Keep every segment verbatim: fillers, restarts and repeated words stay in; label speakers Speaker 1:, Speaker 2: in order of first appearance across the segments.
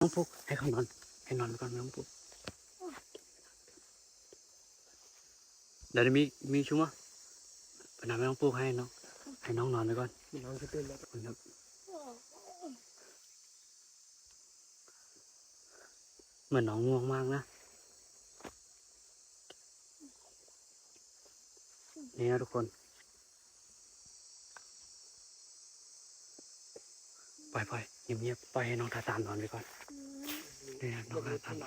Speaker 1: ต้องปลุกให้เขานอนให้นอนก่อนไม่ต้องปลุกเดี๋ยวมีมีชุ่มอ่ะปนาไม่ต้องปลุกให้น้องให้น้องนอนไปก่อนน้องจะตื่นแล้วครับเหมือนน้องง่วงมากนะนี่นะทุกคนปล่อยปล่อยเงียบเงียบปล่อยให้น้องทาตานนอนไปก่อนนี่นะน้องทาตาน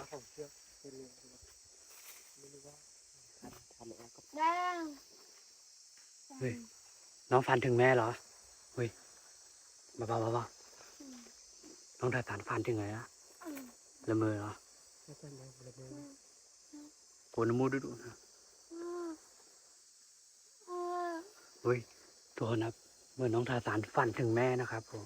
Speaker 1: เฮ้ยน้องฝันถึงแม่เหรอเฮ้ยเบาๆเบาๆน้องทาตานฝันถึงไงนะละเมอเหรอโกนมูดดูนะเฮ้ยทุกคนครับเมื่อน้องทาตานฝันถึงแม่นะครับผม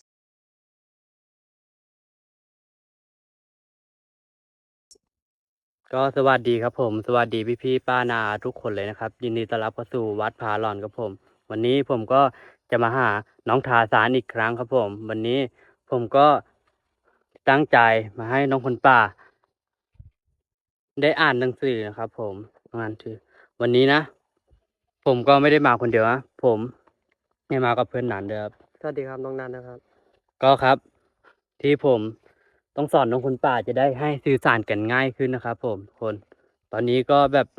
Speaker 1: ก็สวัสดีครับผมสวัสดีพี่พี่ป้านาทุกคนเลยนะครับยินดีต้อนรับเข้าสู่วัดผาหลอนครับผมวันนี้ผมก็จะมาหาน้องทาสานอีกครั้งครับผมวันนี้ผมก็ตั้งใจมาให้น้องคนป่าได้อ่านหนังสือนะครับผมงานคือวันนี้นะผมก็ไม่ได้มาคนเดียวนะผมได้มากับเพื่อนนันเด้อครับสวัสดีครับน้องนันนะครับก็ครับที่ผมต้องสอนน้องคนป่าจะได้ให้สื่อสารกันง่ายขึ้นนะครับผมคนตอนนี้ก็แบบ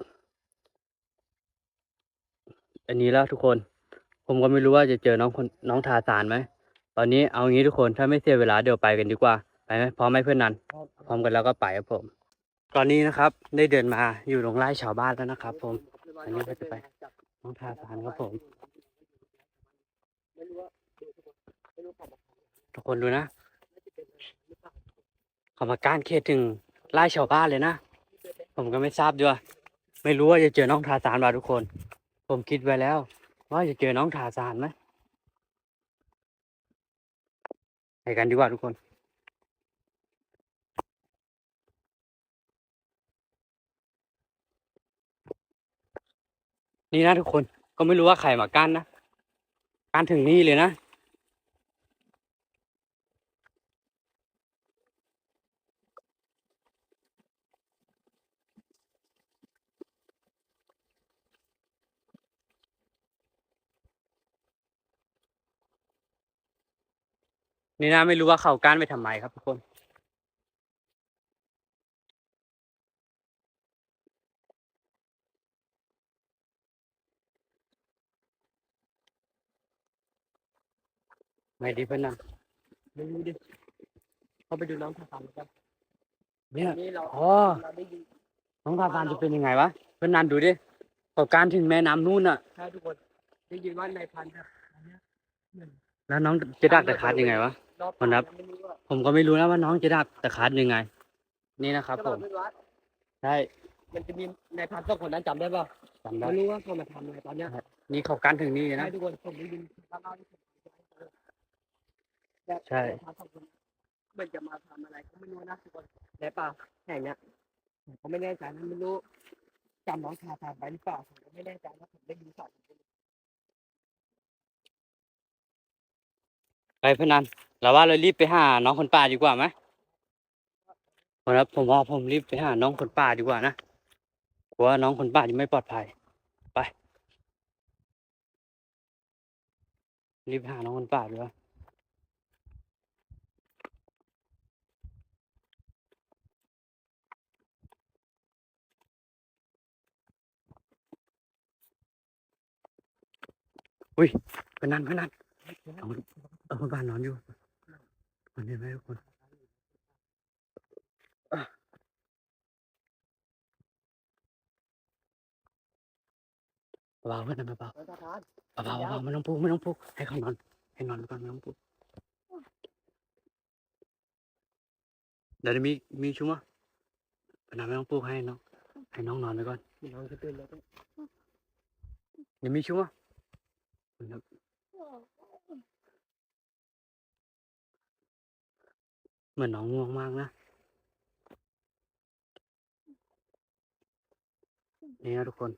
Speaker 1: อันนี้แล้วทุกคนผมก็ไม่รู้ว่าจะเจอน้องคนน้องทาสานไหมตอนนี้เอางี้ทุกคนถ้าไม่เสียเวลาเดี๋ยวไปกันดีกว่าไปไหมพร้อมไหมเพื่อนนันพร้อมกันแล้วก็ไปครับผมตอนนี้นะครับได้เดินมาอยู่ตรงไร่ชาวบ้านแล้วนะครับผมอันนี้ก็จะไปน้องทาสานครับผมทุกคนดูนะเขามาก้านเขตถึงไร่ชาวบ้านเลยนะผมก็ไม่ทราบด้วยไม่รู้ว่าจะเจอน้องทาสานป่ะทุกคนผมคิดไว้แล้วว่าจะเจอน้องทาสานไหมไปกันดีกว่าทุกคนนี่นะทุกคนก็ไม่รู้ว่าใครมากั้นนะกั้นถึงนี่เลยนะนี่นะไม่รู้ว่าเขากั้นไปทำไมครับทุกคนไม่ดีเพื่อนนะไม่รู้ดิเขาไปดูน้องทาสานกันเนี่ยอ๋อน้องทาสานจะเป็นยังไงวะเพื่อนนันดูดิเขากั้นถึงแม่น้ำนู่นน่ะใช่ทุกคนได้ยินว่าในพันธุ์แล้วน้องจะดักตะคัดยังไงวะมันนับผมก็ไม่รู้นะว่าน้องจะดักตะคัดยังไงนี่นะครับผมใช่มันจะมีในพันธุ์สองคนนั้นจำได้ป่ะจำได้ไม่รู้ว่าเขามาทำอะไรตอนเนี้ยนี่เขากั้นถึงนี่นะทุกคนผมได้ยินใช่มันจะมาทำอะไรก็ไม่รู้นะทุกคนในป่าแห่งเนี้ยผมก็ไม่แน่ใจนะไม่รู้จำน้องทาทานไปหรือเปล่าผมก็ไม่แน่ใจนะผมได้ยินสองไปพนันเราว่าเรารีบไปหาน้องคนป่าดีกว่าไหมครับผมว่าผมรีบไปหาน้องคนป่าดีกว่านะกลัวน้องคนป่าจะไม่ปลอดภัยไปรีบหาน้องคนป่าดีกว่าอุ้ยพนันพนันเอาเอาคนป่านอนอยู่คนเห็นไหมทุกคนเบาๆเพื่อนเบาๆเบาๆเบาๆไม่ต้องปลุกไม่ต้องปลุกให้เขานอนให้นอนก่อนไม่ต้องปลุกเดี๋ยวมีมีชุ่มอ่ะพนันไม่ต้องปลุกให้น้องให้น้องนอนไปก่อนน้องจะตื่นแล้วเดี๋ยวมีชุ่มอ่ะเหมือนน้องง่วงมากนะนี่นะทุกคน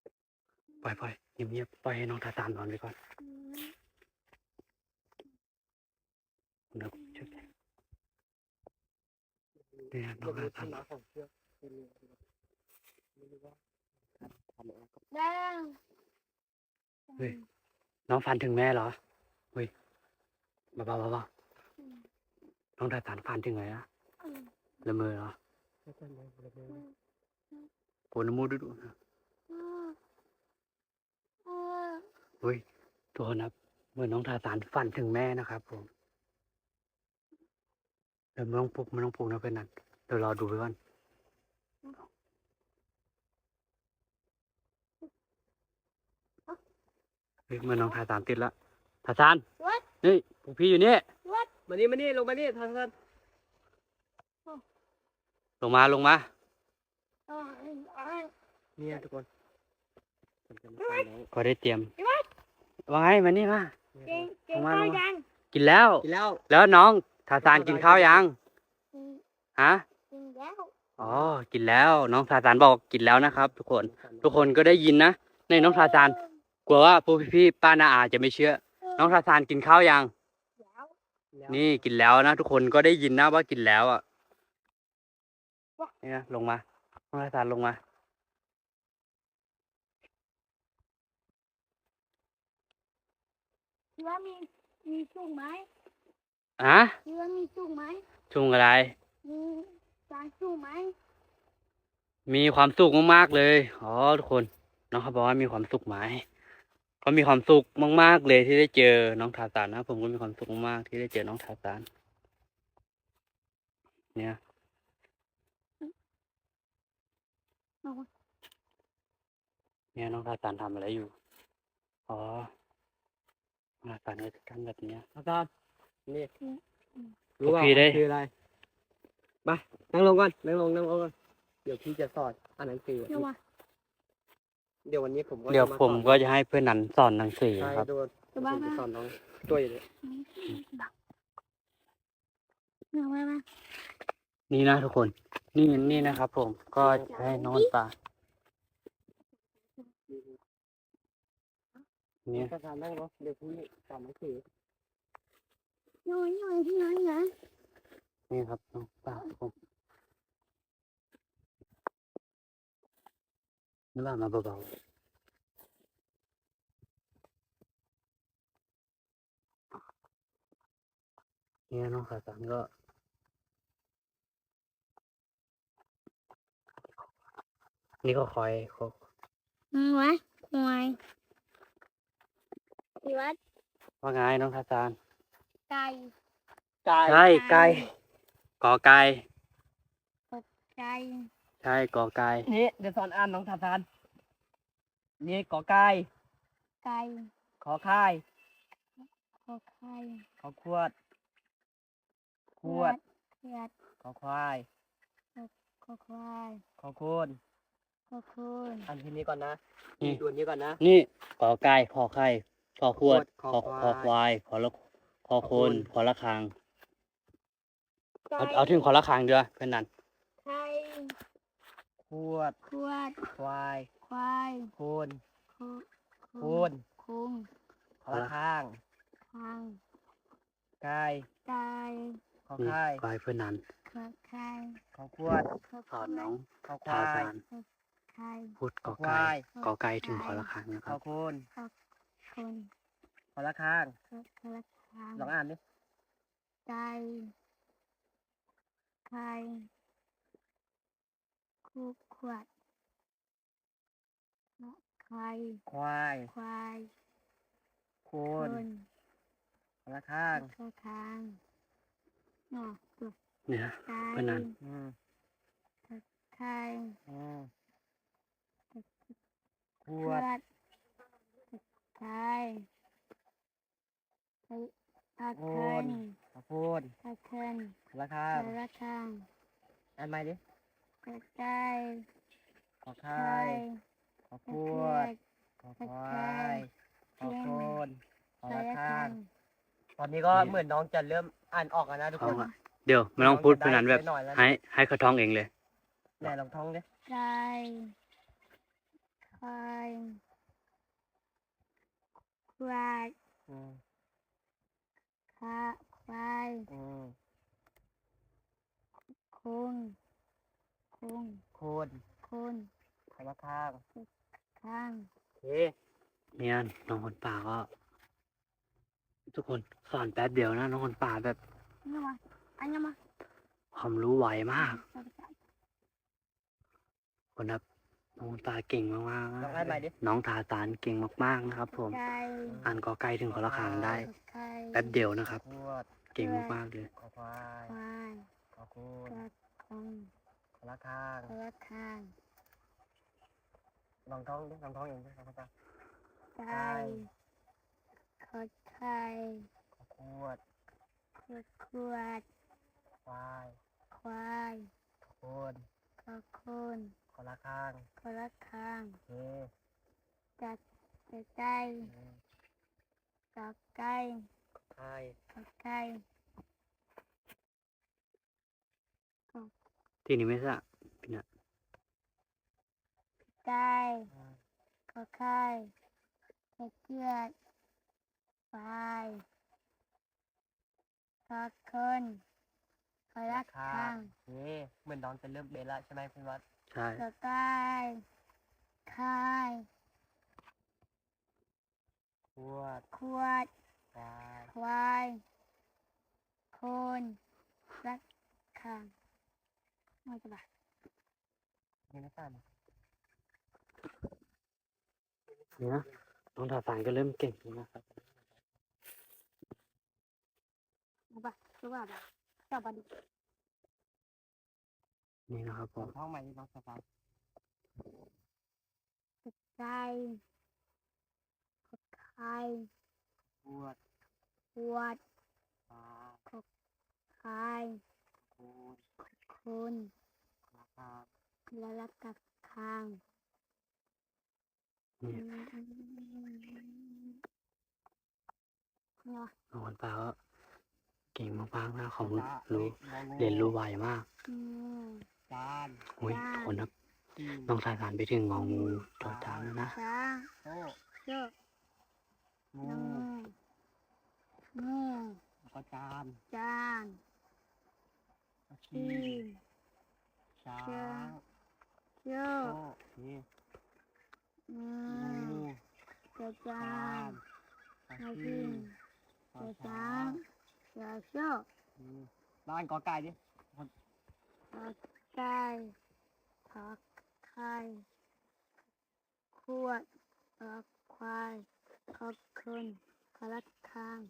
Speaker 1: ปล่อยปล่อยเงียบๆปล่อยให้น้องทาตานนอนไปก่อนเนี่ยน้องทาซาน
Speaker 2: แดง
Speaker 1: เฮ้ยน้องฝันถึงแม่เหรอเฮ้ยเบาๆเบาๆน้องทาซานฝันถึงไงอะละเมอเหรอโกนมูดดูนะเฮ้ยทุกคนครับเมื่อน้องทาซานฝันถึงแม่นะครับผมเดี๋ยวไม่ต้องปลุกไม่ต้องปลุกนะเพื่อนนั่นเดี๋ยวรอดูไปก่อนเฮ้ยเมื่อน้องทาซานติดละทาซานนี่พวกพี่อยู่นี่
Speaker 3: มานี่มานี่ลงมานี่ท่านท่าน
Speaker 1: ลงมาลงมา
Speaker 3: เนี่ยทุกคนผมจะมาฟังน้อง
Speaker 1: ก็ได้เตรียมว่าไงมานี่มา
Speaker 2: เก่งเก่งข้าวยัง
Speaker 1: กินแล้ว
Speaker 3: กินแล้ว
Speaker 1: แล้วน้องทาซานกินข้าวยังฮะ
Speaker 2: กินแล้ว
Speaker 1: อ๋อกินแล้วน้องทาซานบอกกินแล้วนะครับ ทุกคน ทุกคนก็ได้ยินนะในน้องทาซานกลัวว่าพวกพี่ๆป้านาอาจะไม่เชื่อ น้องทาซานกินข้าวยัง
Speaker 2: แล้ว
Speaker 1: นี่กินแล้วนะทุกคนก็ได้ยินนะว่ากินแล้วอ่ะเนี่ยลงมาน้องทาซานลงมา
Speaker 2: คิดว่ามีมีสุกไหม
Speaker 1: อะ
Speaker 2: คิดว่ามีสุกไหม
Speaker 1: ชุงอะไร
Speaker 2: มีจานสุกไหม
Speaker 1: มีความสุขมากๆเลยอ๋อทุกคนน้องเขาบอกว่ามีความสุขไหมเขามีความสุขมากๆเลยที่ได้เจอน้องทาซานนะผมก็มีความสุขมากๆที่ได้เจอน้องทาซานเนี่ยเนี่ยน้องทาซานทำอะไรอยู่อ๋อน้องทาซานก็จะทำแบบเนี้ย
Speaker 3: ท่านท่านนี่
Speaker 1: พวกพี่ได้
Speaker 3: คืออะไรไปนั่งลงก่อนนั่งลงนั่งลงก่อนเดี๋ยวพี่จะสอนอ่านหนังสือ
Speaker 2: เดี๋ยววะ
Speaker 3: เดี๋ยววันนี้ผมก็
Speaker 1: เดี๋ยว
Speaker 3: จะา
Speaker 1: ผม
Speaker 3: สอน
Speaker 1: ก็จะให้เพื่อนนันสอนหนังสือ
Speaker 3: ใช่
Speaker 1: ครับ
Speaker 3: โดน
Speaker 2: เดี๋ยว
Speaker 3: ผ
Speaker 2: บ้าม
Speaker 3: จะ
Speaker 2: มา
Speaker 3: สอนน้องตัวอยู่เลย
Speaker 2: เดี๋ยวมามา
Speaker 1: นี่นะทุกคน นี่นี่นะครับ ผมก็จะให้นอนตาเนี่ย
Speaker 3: ท่านท่านนั่งเนาะเดี๋ยวพี่สอนหนังสือ
Speaker 2: น้อยน้อยที่น้อยนะ
Speaker 1: นี่ครับน้องตาผมนึกว่ามาเบาๆเนี่ยน้องขาสันก็นี่ก็คอยเขา
Speaker 2: อืมวะหน่วยพี่วัด
Speaker 1: ว่าไงน้องขาสัน
Speaker 2: ไก่
Speaker 3: ไก่
Speaker 1: ใช่ไก่กอไก่
Speaker 2: ไก่
Speaker 1: ใช่กอไก่
Speaker 3: นี่เดี๋ยวสอนอ่านน้องท่านท่านนี่กอไก่
Speaker 2: ไก่
Speaker 3: ขอค่าย
Speaker 2: ขอไข่
Speaker 3: ขอขวดขวด
Speaker 2: เขียด
Speaker 3: ขอควาย
Speaker 2: ขอควาย
Speaker 3: ขอโคน
Speaker 2: ขอคูน
Speaker 3: อันที่นี้ก่อนนะ
Speaker 1: นี่
Speaker 3: ตัวนี้ก่อนนะ
Speaker 1: นี่กอไก่ขอไข่ขอขวด
Speaker 3: ขอ
Speaker 1: ขอ
Speaker 3: ควาย
Speaker 1: ขอควายขอละขอโคน
Speaker 3: ขอโคน
Speaker 1: ขอละคาง
Speaker 2: ไก่
Speaker 1: เอาเอาถึงขอละคางเดียวเพื่อนนัน
Speaker 2: ไข่
Speaker 3: ขวด
Speaker 2: ขวด
Speaker 3: ควาย
Speaker 2: ควาย
Speaker 3: โคน
Speaker 2: คู
Speaker 3: โคน
Speaker 2: คุง
Speaker 3: ขอละข้าง
Speaker 2: ทาง
Speaker 3: กาย
Speaker 2: ไก่
Speaker 3: ขอ
Speaker 1: นี่
Speaker 3: ค่าย
Speaker 1: กายเพื่อนนัน
Speaker 2: ขอไข่
Speaker 3: ขอขวด
Speaker 2: ขอ
Speaker 1: สอนน้อง
Speaker 3: ขอค
Speaker 1: ทาว
Speaker 3: าย
Speaker 1: ซาน
Speaker 2: ไข่
Speaker 1: พูดกอ
Speaker 3: ควา
Speaker 1: ไก่
Speaker 3: ย
Speaker 1: กอไก่ถึงขอละคางนะ
Speaker 3: ข
Speaker 1: ครั
Speaker 3: อบ โคน
Speaker 2: คน
Speaker 3: ขอละข้าง
Speaker 2: ขอขอละคาง
Speaker 3: ลองอ่านดิ
Speaker 2: ไก่ไข่คูขวดไข่
Speaker 3: ควาย
Speaker 2: ควาย
Speaker 3: โค
Speaker 2: คน น
Speaker 3: ขอละข้าง
Speaker 2: ขอคางเนาะตัว
Speaker 1: เนี่ย
Speaker 2: ไก่
Speaker 1: เพื่อนนัน
Speaker 3: อืม
Speaker 2: ไข่
Speaker 3: อืมข
Speaker 2: ข
Speaker 3: ว
Speaker 2: ว
Speaker 3: ด
Speaker 2: ดไข่ไข่ตะเคิน
Speaker 3: ขอโคน
Speaker 2: ตะเคิน
Speaker 3: ขอละข้าง
Speaker 2: ขอละคาง
Speaker 3: อ่านใหม่ดิ
Speaker 2: กระไก่
Speaker 3: ขอ
Speaker 2: ไข่
Speaker 3: ค่ายขอข
Speaker 2: ตะ
Speaker 3: ว
Speaker 2: เคีย
Speaker 3: ด
Speaker 2: ด
Speaker 3: ขอควายขอโคนขอ
Speaker 2: ขอ
Speaker 3: ละ
Speaker 2: ละ
Speaker 3: ข้า
Speaker 2: คาง ง
Speaker 3: ตอนนี้ก็เหมือนน้องจะเริ่มอ่านออกแล้วนะทุก
Speaker 1: ท้
Speaker 3: ค
Speaker 1: อง
Speaker 3: น
Speaker 1: อ่ะเดี๋ยวไม่ต้องพูดเพื่อนนันแบบ
Speaker 3: ได้หน่อยแล้วนะ
Speaker 1: ให้ให้เขาท้องเองเลย
Speaker 3: แน่ลองท่องดิ
Speaker 2: ไก่ไข่ควาย
Speaker 3: อืม
Speaker 2: ขาควาย
Speaker 3: อืม
Speaker 2: คคุณคุณ
Speaker 3: โคน
Speaker 2: คุณ
Speaker 3: คำว่าข้าง
Speaker 2: ข้าง
Speaker 3: โอเค
Speaker 1: เนี่ยน้องคนป่าก็ ทุกคนสอนแป๊บเดียวนะน้องคนป่าแบบ
Speaker 2: นี่มาอันนี้มา
Speaker 1: ความรู้ไวมากคนครับน้องคนป่าเก่งมากๆ
Speaker 3: ล
Speaker 1: นะ
Speaker 3: องอ่านใหม่ดิ
Speaker 1: น้องทาสานเก่งมากๆนะครับ ผม
Speaker 2: ไก่
Speaker 1: อ่านกอไก่ถึงขอละคางได้
Speaker 2: ไก่
Speaker 1: แป๊บเดียวนะครับ
Speaker 3: ขวด
Speaker 1: เก่งมากๆเลย
Speaker 3: ขอควาย
Speaker 2: ควาย
Speaker 3: ขอคูณ
Speaker 2: กระคง
Speaker 3: ขอละข้าง
Speaker 2: กระข้าง
Speaker 3: ลองท้องดิลองท้องเองดิลองท้อง
Speaker 2: ไก่ขอไข่
Speaker 3: ขอขวด
Speaker 2: ขวดขวด
Speaker 3: ควาย
Speaker 2: ควาย
Speaker 3: ขอคูณ
Speaker 2: ขอคุณ
Speaker 3: ขอละข้าง
Speaker 2: กระข้าง
Speaker 3: โอเค
Speaker 2: จัดจัดไก่
Speaker 3: อืม
Speaker 2: จับไก่
Speaker 3: ไข่
Speaker 2: จับไก่
Speaker 1: ที่นี่ไม่ใช่พี่นะ
Speaker 2: ไก่
Speaker 3: อืม
Speaker 2: ขอไข่เห็ดเชือดควายขอคนขอรักข้าง
Speaker 3: โอเคเหมือนน้องจะเริ่มเบนละใช่ไหมคุณวัด
Speaker 1: ใช่
Speaker 2: ขอไก่ไข่
Speaker 3: ขวด
Speaker 2: ขวด
Speaker 3: ควาย
Speaker 2: ควายคนรักข้างไม่จะบา
Speaker 3: นี่ไม่ตัน
Speaker 1: เนี่ยน้องทาสานก็เริ่มเก่งแล้วนะครับ
Speaker 2: ไม่บาจะบาบาจะบาดิ
Speaker 1: นี่นะครับผ
Speaker 3: ลอง
Speaker 1: ม
Speaker 3: ท้องใหม่ดิน้องสตาร์
Speaker 2: ไก่ไข่
Speaker 3: ขวด
Speaker 2: ขวด
Speaker 3: ควาย
Speaker 2: ไข่
Speaker 3: คูณ
Speaker 2: คน
Speaker 3: ราคา
Speaker 2: และรักกับข้าง
Speaker 1: นี่
Speaker 2: เนาะ
Speaker 1: น้องคนป่าก็เก่งมากๆนะของ
Speaker 3: จ้า
Speaker 1: รู้
Speaker 3: อ้งองู
Speaker 1: เรียนรู้ไวมาก
Speaker 2: อืม
Speaker 3: จาน
Speaker 1: อุ้ย
Speaker 2: จ้า
Speaker 1: ทุกคนครับ
Speaker 3: จีน
Speaker 1: น้องทาสานไปถึงงองูจอจานแล้วนะ
Speaker 2: ช้าง
Speaker 3: โซ่
Speaker 2: เชือก
Speaker 3: งู
Speaker 2: น้ำงู
Speaker 3: แล้วก็จาน
Speaker 2: จาน
Speaker 3: แล้ว
Speaker 2: ที
Speaker 3: ขี้ช้า
Speaker 2: เชือก
Speaker 3: ง
Speaker 2: เชือ
Speaker 3: โซ่
Speaker 2: ก
Speaker 3: นี่
Speaker 2: อื
Speaker 3: งู
Speaker 2: มเสือจา
Speaker 3: จาน น
Speaker 2: นา
Speaker 3: ขี้
Speaker 2: ที
Speaker 3: ขอ
Speaker 2: เสือ
Speaker 3: ช้า
Speaker 2: ช้าง
Speaker 3: ง
Speaker 2: เสือเชือก
Speaker 3: อืมแล้วอันกอไก่ดิ
Speaker 2: ขอไก่ขอไข่ขวดขอควายขอคนขอรักข้าง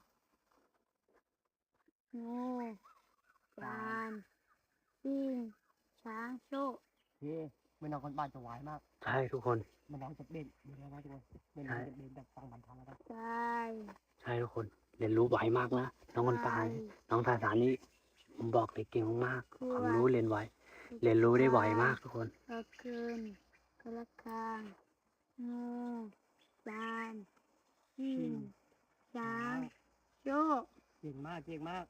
Speaker 2: งูจานจิ้งช้างโชค
Speaker 3: เฮ้ไม่น้องคนบ้านจะไหวมาก
Speaker 1: ใช่ทุกคน
Speaker 3: มันน้องจะเด่นมีอะไรบ้างทุกคนเด่น
Speaker 1: ใช่
Speaker 3: จะเด่นแบบฟังบันทังแล้วนะ
Speaker 2: ใช่
Speaker 1: ใช่ทุกคน เรียนรู้ไวมากนะน้องคนป่านี่น้องทาสานนี่ผมบอกเลยเก่งมากๆความรู้เรียนไวเรียนรู้ได้ไวมากทุกคน
Speaker 2: ขอคืนกระคังงูจานจิ้งช้างโชค
Speaker 3: เก่งมากเก่งมาก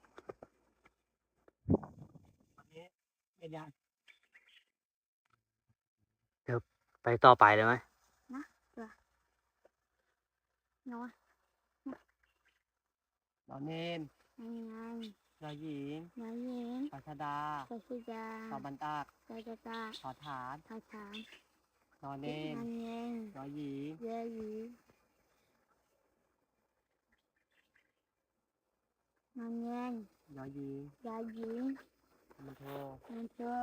Speaker 3: วันนี้เป็นยัง
Speaker 1: ไปต่อไปเลยไหม
Speaker 2: เนาะ
Speaker 3: นอนเนน
Speaker 2: ยังไง
Speaker 3: นอนหญิง
Speaker 2: นายหญิง
Speaker 3: ปัชดา
Speaker 2: กสิจา
Speaker 3: ตอบันตาก
Speaker 2: กสิจา
Speaker 3: ขอฐาน
Speaker 2: ทาถาง
Speaker 3: นอนเนน
Speaker 2: นันเยง
Speaker 3: นอนหญิง
Speaker 2: เยหยีนันเยง
Speaker 3: นอนหญิง
Speaker 2: ยาหญิง
Speaker 3: มันโท
Speaker 2: นันเชอ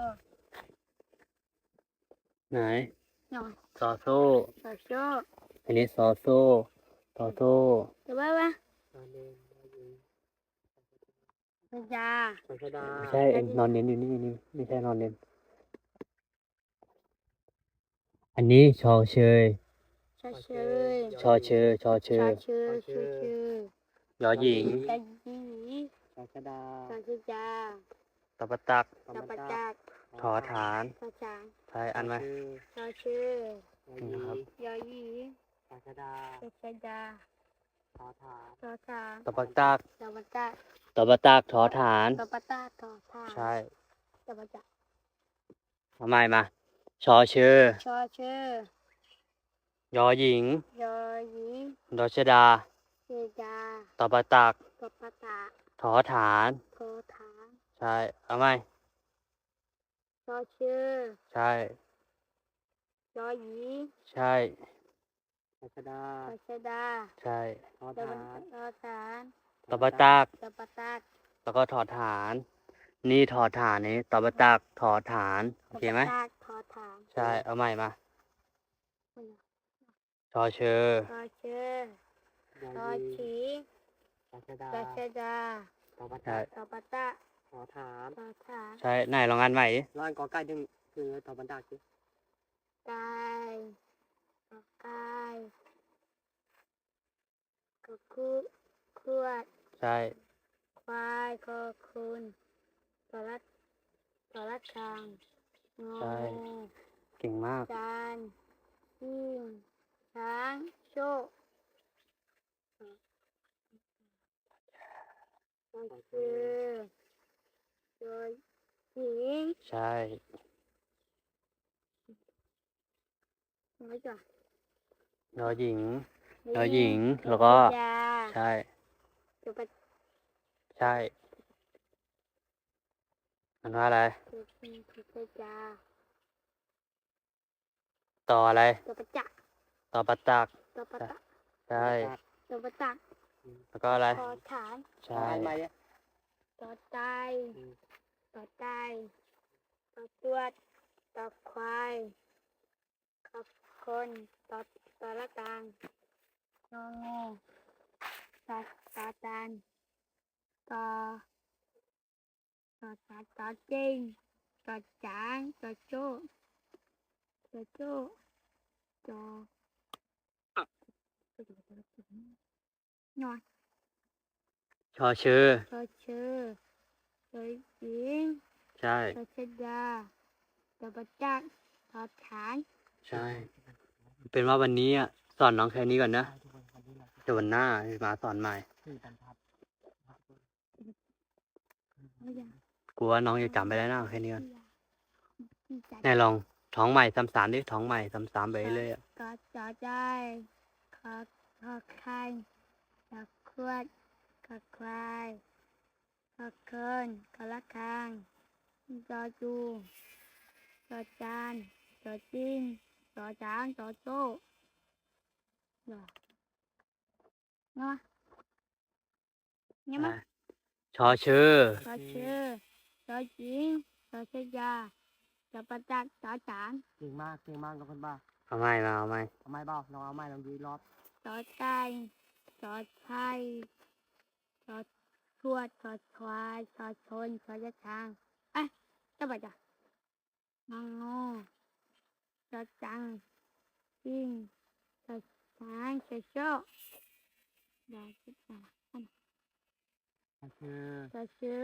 Speaker 1: ไหน
Speaker 2: เนาะ
Speaker 1: ซอโซ่
Speaker 2: สอโชค
Speaker 1: อันนี้ซอโซ่ซอโซ่
Speaker 2: เดี๋ยวไว้ไว้
Speaker 3: นอนเนนนอนหญิง
Speaker 2: กสิจา
Speaker 3: ปัชดา
Speaker 1: ไม่ใช่เอ็นนอนเน้นอยู่นี่นี่ไม่ใช่นอนเน้นอันนี้ชอเชย
Speaker 2: ชาเชย
Speaker 1: ชอเชยชอเช
Speaker 2: ชาย เชยชื่อชื่อย
Speaker 1: อหญิง
Speaker 2: ยาหยี
Speaker 3: ปัชดาก
Speaker 2: สิจา
Speaker 1: ตบตัก
Speaker 3: ตอ
Speaker 2: ตา
Speaker 3: บั
Speaker 2: ป
Speaker 3: น
Speaker 2: จั
Speaker 3: ตาก
Speaker 2: ก
Speaker 1: ทอฐาน
Speaker 2: ทาช้าง
Speaker 1: ใช่อันไหม
Speaker 2: ชาชื่อน
Speaker 3: อนหญิ
Speaker 1: นะครับ
Speaker 3: ง
Speaker 2: ยาหยี
Speaker 3: ปัชดา
Speaker 2: กสิจา
Speaker 3: ขอฐาน
Speaker 2: ทอช้าง
Speaker 1: ตบตัก
Speaker 2: ตาปจัก
Speaker 1: ตบตักทอฐาน
Speaker 2: ตาปตาทอทาง
Speaker 1: ใช่
Speaker 2: ตาปจัก
Speaker 1: ทำไมมาชอเชย
Speaker 2: ชอชื่อย
Speaker 1: อหญิง
Speaker 2: ยอหยี
Speaker 1: ดอชดา
Speaker 2: เจจา
Speaker 1: ตบตัก
Speaker 2: ตาปตา
Speaker 1: ทอฐาน
Speaker 2: โกฐาน
Speaker 1: ใช่เอาไหม
Speaker 2: อชื่อ
Speaker 1: ใช่
Speaker 2: ยอหยี
Speaker 1: ใช่
Speaker 3: รัชดา
Speaker 2: รัชดา
Speaker 1: ใช่
Speaker 3: ทอ
Speaker 2: ตะ
Speaker 3: ฐา
Speaker 2: วัน
Speaker 3: น
Speaker 2: ตอฐาน
Speaker 1: ตบตัก
Speaker 2: ตะปะตัก
Speaker 1: แล้วก็ถอดฐาน นี่ถอดฐานนี้ตบตักถอดฐาน โอ
Speaker 2: ตะ
Speaker 1: เค
Speaker 2: ปะ
Speaker 1: ไหม
Speaker 2: ตักทอฐาน
Speaker 1: ใช่ เอาใหม่มา
Speaker 2: ไม่เอา
Speaker 1: ชอเชอ
Speaker 2: ชอชื่อ
Speaker 3: ยอ
Speaker 2: ชอ
Speaker 3: ยี
Speaker 2: ฉี
Speaker 3: รัชดา
Speaker 2: รัชดา
Speaker 3: ตบ
Speaker 1: ใช่
Speaker 3: ตัก
Speaker 2: ตะปะตัก
Speaker 3: ทอฐาน
Speaker 2: ทอฐาน
Speaker 1: ใช่ ไหนลองอ่านใหม่ดิ
Speaker 3: ร้านกอไก่ดึงคือตบตักสิ
Speaker 2: ไก่กอไก่กอคุขวด
Speaker 1: ใช่
Speaker 2: ควายคอคุณตอรัดตอรัดคางงอ
Speaker 1: ใช่ เก่งมาก
Speaker 2: จานหิ้งช้างโชคก็คือโดยหญิง
Speaker 1: ใช่
Speaker 2: น้อยจ้ะ
Speaker 1: ยอหญิง ยอหญิง แล้วก็
Speaker 2: ยา
Speaker 1: ใช่
Speaker 2: จุปะ
Speaker 1: ใช่อันว่าอะไร
Speaker 2: จุจุปะจา
Speaker 1: ต่ออะไร
Speaker 2: จุปะจัก
Speaker 1: ต่อปตัก
Speaker 2: จุปะตัก
Speaker 1: ใช่
Speaker 2: จุปะตัก
Speaker 1: แล้วก็อะไร
Speaker 2: คอฐาน
Speaker 1: ใช่
Speaker 3: อ่านใหม่ดิ
Speaker 2: ต่อไต
Speaker 3: อืม
Speaker 2: ต่อไตต่อตรวจต่อควายต่อคนต่อต่อละกลางงองูต่อต่อจานต่อต่อต่อต่อจริงต่อจานต่อโจ้ต่อโจ้ต่อหน่อย
Speaker 1: ชอเชอ
Speaker 2: ต่อชื่อต่อหญิง
Speaker 1: ใช่
Speaker 2: ต่อชดาต่อประจักษ์ต่อฐาน
Speaker 1: ใช่ เป็นว่าวันนี้อ่ะสอนน้องแค่นี้ก่อนนะ
Speaker 3: ทุกคนวันนี้เราจะ
Speaker 1: เดี๋ยววันหน้ามาสอนใหม่
Speaker 3: สื่อบรรทัด
Speaker 2: เอาอย่าง
Speaker 1: กลัวน้องจะจำไปได้นะแค่นี้ก่อน
Speaker 2: ที่จะ
Speaker 1: ไหนลองท้องใหม่ซ้ำๆดิท้องใหม่ซ้ำๆไปเรื่อยๆอะ
Speaker 2: ก็จะได้ขอขอไข่ขอขวดขอควายขอเคินขอละคางจอจูจอจานจอจิ้งจอจางจอโจ้เนาะเนาะเนี่ยมั้ย
Speaker 1: ชอเชอ
Speaker 2: จอชื่อจอหญิงจอชยาจอประจักษ์จอจาน
Speaker 3: เก่งมากเก่งมากทุกคนบ้า
Speaker 1: เอาใหม่มาเอาใหม่
Speaker 3: เอาไม้เปล่าลองเอาไม้ลองดูอีกรอบ
Speaker 2: จอไก่จอไข่จอทวดจอควายจอชนจอยะช้างเอ้ยจะไปจ้ะงองูจอจังจิ้งจอช้างจอโชคจอชิดา
Speaker 3: คือ
Speaker 2: จอชื่อย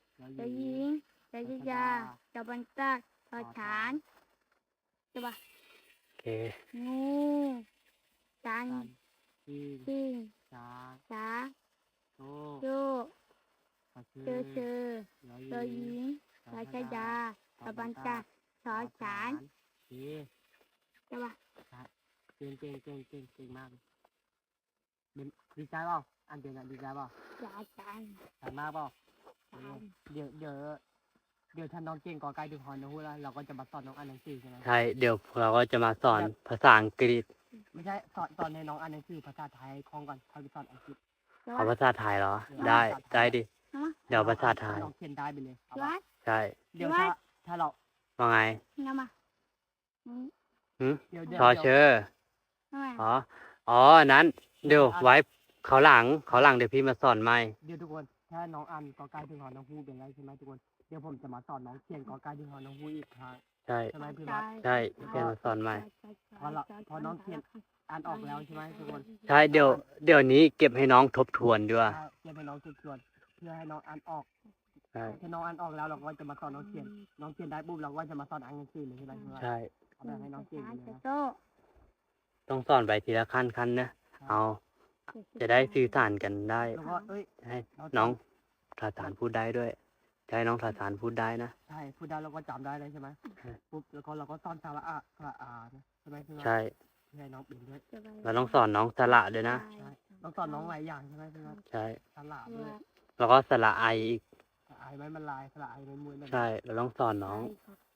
Speaker 3: อ
Speaker 2: จอ
Speaker 3: ห
Speaker 2: ห
Speaker 3: ญิ
Speaker 2: ญิ
Speaker 3: ง
Speaker 2: งจอชิยาจอบันตักจอฐานจะปะ
Speaker 1: โอเค
Speaker 2: งูจัน
Speaker 3: จันจีน
Speaker 2: จิ้ง
Speaker 3: ช้าง
Speaker 2: ช้า
Speaker 3: โต
Speaker 2: โชค
Speaker 3: ก็คื
Speaker 2: เจอเชอ
Speaker 3: ยอ
Speaker 2: จอหญิงจอชยาจอบันตักจอฉาน
Speaker 3: เก่ง
Speaker 2: จะปะ
Speaker 3: เก่งเก่งเก่งเก่งเก่งมากเลยเป็นดีใจเปล่าอันเดียวกันดีใจเปล่า
Speaker 2: จอจัน
Speaker 3: สามารถเปล่า
Speaker 2: จัน
Speaker 3: เดี๋ยวเดี๋ยวเดี๋ยวถ้าน้องเก่งกอไก่ถึงฮอนนะฮู้แล้วเราก็จะมาสอนน้องอ่านหนังสือใช่ไหม
Speaker 1: ใช่ เดี๋ยวเราก็จะมาสอนภาษาอังกฤษ
Speaker 3: ไม่ใช่สอนสอนในน้องอ่านหนังสือภาษาไทยคล่องก่อนค่อยไปสอนอังกฤษ
Speaker 2: จะ
Speaker 1: เอา
Speaker 2: ปะ
Speaker 1: ภาษาไทยเหรอ ได้ ได้ดิ
Speaker 2: ฮะ
Speaker 1: เดี๋ยวภาษาไทย
Speaker 3: น้องเขียนได้ไปเลยเอา
Speaker 2: วั
Speaker 3: ปะ
Speaker 2: ด
Speaker 1: ใช่
Speaker 3: เดี๋ยวถ้าถ้าเรา
Speaker 1: ว่าไง
Speaker 2: น้ำมาอืม
Speaker 1: หืม
Speaker 3: เดี๋ยวเดี๋ยว
Speaker 1: ชอเชอ
Speaker 2: ทำไม
Speaker 1: อ๋อ อ๋อ นั้น เดี๋ยวไว้เขาวหลังเขาวหลังเดี๋ยวพี่มาสอนใหม่
Speaker 3: เดี๋ยวทุกคนถ้าน้องอ่านกอไก่ถึงฮอนน้องฮู้เป็นไรใช่ไหมทุกคนเดี๋ยวผมจะมาสอนน้องเขียนกอไก่ถึงฮอนน้องฮู้อีกครั้ง
Speaker 1: ใช่
Speaker 3: ใช่ไหมพี่วัด
Speaker 1: ใช่พี่มาสอนใหม่
Speaker 3: พอเราพอน้องเขียนอ่านออกแล้วใช่ไหมทุกคน
Speaker 1: ใช่ เดี๋ยว เดี๋ยวนี้เก็บให้น้องทบทวนด้วย
Speaker 3: ใช่เขียนให้น้องทบทวนเพื่อให้น้องอ่านออก
Speaker 1: ใช่
Speaker 3: ถ้าน้องอ่านออกแล้วเราก็จะมาสอนน้องเขียน น้องเขียนได้ปุ๊บเราก็จะมาสอนอ่านหนังสือเลยใช่ไหมพี่วัด
Speaker 1: ใช่
Speaker 3: เอาแบบให้น้องเก่งเลย
Speaker 2: จะ
Speaker 3: นะ
Speaker 2: โต
Speaker 1: ต้องสอนไปทีละขั้นขั้นนะ เอา จะได้สื่อสารกันได้
Speaker 3: แล้วก็เอ้ย
Speaker 1: ให้น้องทาสานพูดได้ด้วยจะให้น้องทาสานพูดได้นะ
Speaker 3: ใช่พูดได้เราก็จำได้เลยใช่ไหม
Speaker 1: ใช่
Speaker 3: ปุ๊บแล้วก็เราก็สอนสาระอะสระอานะใช่ไหมพี่วัด
Speaker 1: ใช่
Speaker 3: เพื่อให้น้องเป็นด้วย
Speaker 1: เราต้องสอนน้องสระด้วยนะ
Speaker 3: ใช่ต้องสอนน้องหลายอย่างใช่ไหมพี่วัด
Speaker 1: ใช่
Speaker 3: สระด้วย
Speaker 1: แล้วก็สระไออีก
Speaker 3: สระไอไม้มันลายสระไอไม้มวยนั่น
Speaker 1: ใช่ เราต้องสอนน้อง
Speaker 2: ไ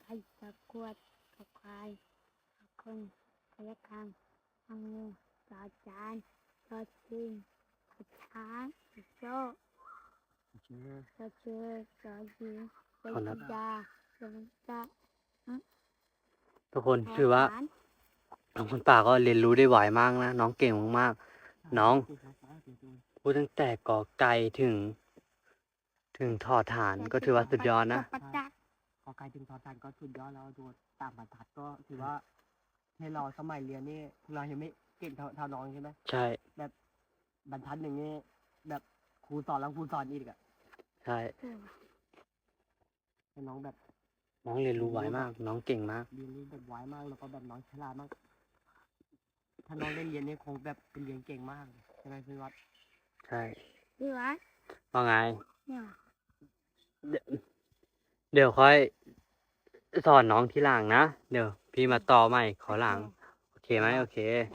Speaker 2: ยตะกรวดตะควายตะคนตะกังตะงูตะจานตะจิงตะช้างตะโจ้ตะเชือตะยิงตะจิดาตะตะ
Speaker 1: ทุกคนถือว่าน้องคนป่าก็เรียนรู้ได้ไหวมากนะน้องเก่งมากๆน้องพูดตั้งแต่กอไก่ถึง ถึงทอฐานก็ถือว่าสุดยอดนะ
Speaker 2: ปัจจัก
Speaker 3: พอใครถึงทอตันก็สุดยอดแล้วดูตามบรรทัดก็ถือว่าให้เราสมัยเรียนนี่พวกเรายังไม่เก่งเท่าเท่าน้องใช่ไหม
Speaker 1: ใช่
Speaker 3: บรรทัดหนึ่งนี่แบบครูสอนแล้วครูสอนอีกอะ
Speaker 1: ใช่
Speaker 3: ให้น้องแบบ
Speaker 1: น้องเรียนรู้ไหวมาก น้องเก่งมาก
Speaker 3: เรียนรู้แบบไวมากแล้วก็แบบน้องฉลาดมาก ถ้าน้องได้เรียนนี่คงแบบเป็นเรียนเก่งมากใช่ไหมพี่วัด
Speaker 1: ใช่
Speaker 2: พี่วัด
Speaker 1: ว่าไง
Speaker 2: เนี่ย
Speaker 1: เดี๋ยวเดี๋ยวค่อยสอนน้องทีหลังนะเดี๋ยวพี่มาต่อใหม่ขอหลังโอเคไหมโอเค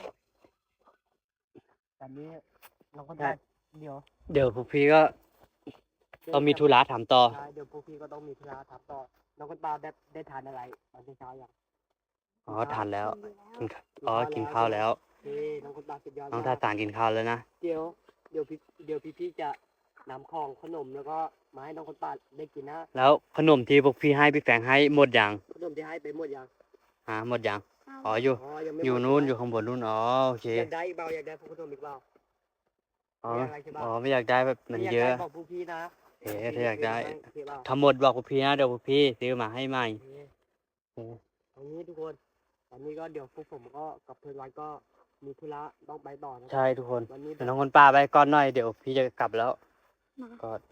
Speaker 3: แต่นี้น้องก็ได้เดี๋ยว
Speaker 1: เดี๋ยวพวกพี่ก็ต้องมีธุระถามต่อ
Speaker 3: ใช่เดี๋ยวพวกพี่ก็ต้องมีธุระทำต่อน้องคนตาได้ได้ทานอะไรตอนเช้ายัง
Speaker 1: อ๋อทานแล้ว
Speaker 2: กินแล้ว
Speaker 1: กินข้าวอ๋อกินข้าวแล้ว
Speaker 3: เฮ้น้องคนตาสุดยอด
Speaker 1: น้อง
Speaker 3: ม
Speaker 1: ทาตานกินข้าวแล้วนะ
Speaker 3: เดี๋ยวเดี๋ยวพี่เดี๋ยวพี่พี่จะนำของขนมแล้วก็มาให้น้องคนตาได้กินนะ
Speaker 1: แล้วขนมที่พวกพี่ให้พี่แฝงให้หมดยัง
Speaker 3: ขนมที่ให้ไปหมดยัง
Speaker 1: ฮะหมดยัง
Speaker 2: เอา
Speaker 1: อ๋ออยู่
Speaker 3: อ๋อยังไม่
Speaker 1: อยู่
Speaker 3: หมด
Speaker 1: นู้นอ
Speaker 3: ใช่
Speaker 1: ยู่
Speaker 3: ไหม
Speaker 1: ข้างบนนู้นอ๋อโอเค
Speaker 3: อยากได้อีกเปล่าอยากได้พวกขนมอีกเปล่า
Speaker 1: อ๋อ
Speaker 3: ไม่อยากได้ใช่ปะ
Speaker 1: อ๋อไม่อยากได้แบบมันเยอะ
Speaker 3: ถ้าากได้บอกพวกพี่นะ
Speaker 1: เอ๊ะถ้าอยากได้
Speaker 3: โอเคเปล่า
Speaker 1: ทั้งหมดบอกพวกพี่นะเดี๋ยวพวกพี่ซื้อมาให้ใหม่
Speaker 3: โอเค
Speaker 1: โอเค
Speaker 3: ตรงนี้ทุกคนตอนนี้ก็เดี๋ยวพวกผมก็กับเพื่อนวันก็มีธุระต้องไปต่อนะ
Speaker 1: ใช่ทุกคน
Speaker 3: วันนี้แบ
Speaker 1: เดี๋ยว
Speaker 3: บ
Speaker 1: น้องคนป้าไปก่อนหน่อยเดี๋ยวพี่จะกลับแล้ว
Speaker 2: มา
Speaker 1: กอด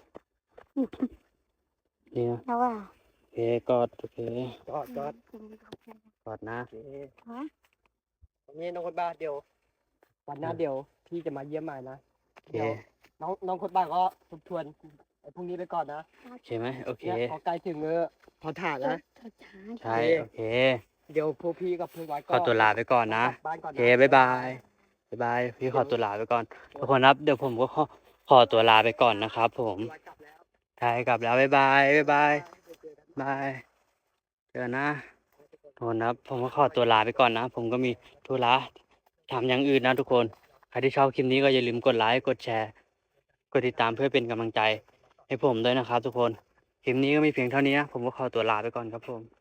Speaker 1: นี่นะ
Speaker 2: แล้วว่า
Speaker 1: โอเคกอดโอเค
Speaker 3: จอดจอด
Speaker 1: กอดนะ
Speaker 3: โอเค
Speaker 2: ฮะ
Speaker 3: ตรงนี้น้องคนบ้าเดี๋ยววันหน้าเดี๋ยวพี่จะมาเยี่ยมใหม่นะ
Speaker 1: โอเค
Speaker 3: เดี๋ยวน้องน้องคนบ้าก็ทบทวนไอ้พรุ่งนี้ไปก่อนนะ
Speaker 1: โอเคไหมโอเค
Speaker 3: เนี่ยพอใกล้ถึงเออพอถ่านนะ
Speaker 2: ทอดช้าง
Speaker 1: ใช่โอเค
Speaker 3: เดี๋ยวพวกพี่กับเพื่อนวัน
Speaker 1: ขอตัวลาไปก่อนนะ
Speaker 3: กลับบ้านก่อน
Speaker 1: โอ
Speaker 3: นะ
Speaker 1: เคบ๊ายบายบ๊ายบายพี่ขอตัวลาไปก่อนทุกคนครับเดี๋ยวผมก็ขอขอตัวลาไปก่อนนะครับผม
Speaker 3: เพื่อนวันกลับแล้ว
Speaker 1: ใช่กลับแล้วบ๊ายบายบ๊ายบายบายเจอนะทุกคนครับผมก็ขอตัวลาไปก่อนนะ ผมก็มีธุระทำอย่างอื่นนะทุกคนใครที่ชอบคลิปนี้ก็อย่าลืมกดไลค์กดแชร์กดติดตามเพื่อเป็นกำลังใจให้ผมด้วยนะครับทุกคนคลิปนี้ก็มีเพียงเท่านี้นะผมก็ขอตัวลาไปก่อนครับผม